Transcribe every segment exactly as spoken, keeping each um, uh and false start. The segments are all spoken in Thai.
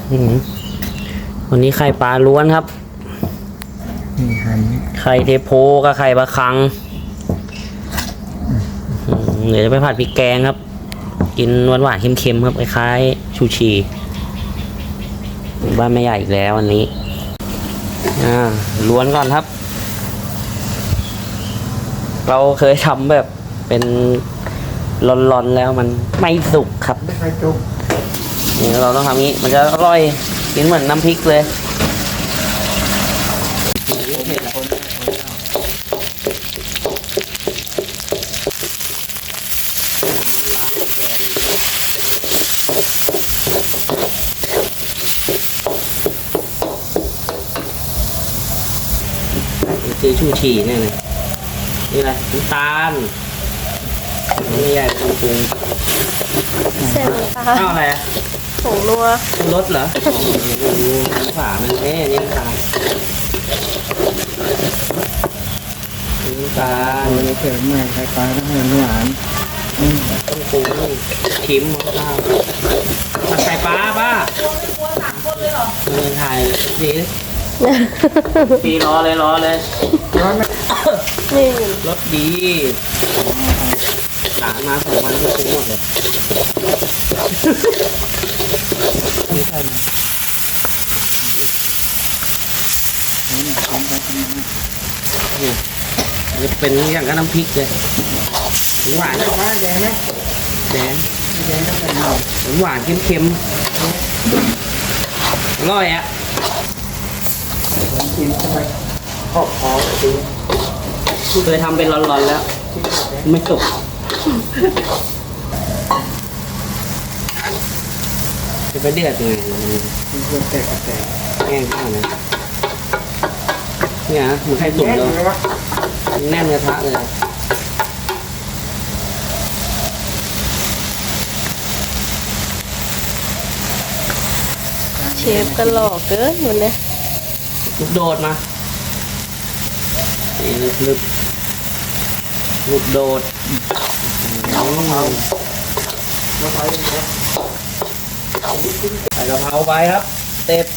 วันนี้ไข่ปลาล้วนครับไข่เทโพกับไข่ปลาคังเดี๋ยวจะไปผัดพริกแกงครับกินหวานหวานเค็มๆครับคล้ายๆชูชีบ้านแม่ใหญ่อีกแล้ววันนี้อ่าล้วนก่อนครับ เราเคยทำแบบเป็นร้อนๆแล้วมันไม่สุกครับไม่ค่อยสุกนี่เราต้องทำงี้มันจะอร่อยกินเหมือนน้ำพริกเลยคือชูชีเนี่ยนะนี่อะไรน้ำตาลไม่ใหญ่ปรุงปรุงเสร็จแล้วค่ะข้าวอะไรอ่ะผงนัวรสเหรอดูฝามันเอ๊ะนี่น้ำตาลน้ำตาลเราเสริมใหม่ไข่ปลาต้องให้หวานต้องปรุงชิมข้าวผัดไข่ปลาป้าเออถ่ายสิปีรอเลยรอเลยร้อนไหมนี่รสดีหลานมาสองวันก็ปรุงหมดเลยไม่ใช่ไหมทำไปทำมาเนี่ยจะเป็นอย่างกับน้ำพริกเลยหวานว่าแดงไหมแดงแดงก็เป็นหน่อยหวานเค็มๆอร่อยอ่ะกินเข้าไปขอบคอดูเคยทำเป็นร้อนๆแล้วไม่สุกจะไปเดือดไงมันควรแตกแตกแห้งมากนะเนี่ยมันให้สุกเลยแน่นกระทะเลยเชฟก็หล่อเกินวันนี้ลูกโดดมานี่ลึกลึกลูกโดดใส่กะเพราไปครับเต็บ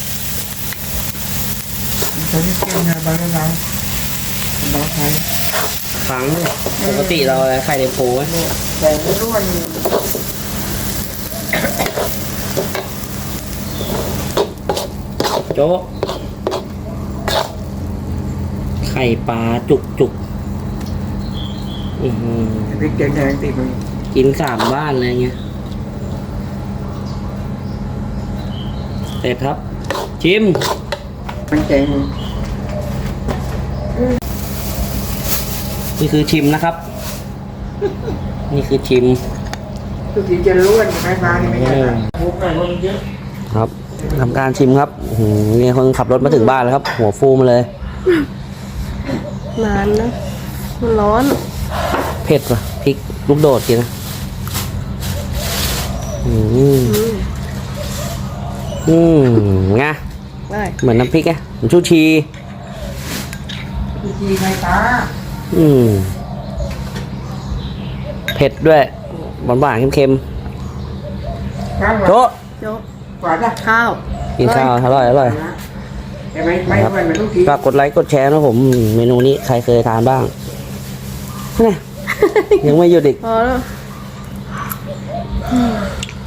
ตอนนี้เกี่ยวงานบ้านเราบ้านไทยครั้งปกติเราไข่เดโพไว้แต่ไม่รู้มันโจ๊กไข่ปลาจุกจุกพริกแดงแดงติดมันกินสามบ้านเลยเงี้ยเสร็จครับชิมมันแกงนี่คือชิมนะครับนี่คือชิมทุกทีจะล้วนไข่ปลานี่ไม่ใช่มุกหน่อยมันเยอะครับทำการชิมครับนี่คนขับรถมาถึงบ้านแล้วครับหัวฟูมาเลยนานนะมันร้อนเผ็ดป่ะพริกลูกโดดกินนะอืมอืมไงเหมือนน้ำพริกไงเหมือนชูชีชูชีไข่ปลาอืมเผ็ดด้วยหวานหวานเค็มๆโจ๊ะหวานนะข้าวกินข้าวอร่อยอร่อยฝากกดไลค์กดแชร์นะผมเมนูนี้ใครเคยทานบ้างยังไม่หยุดอีก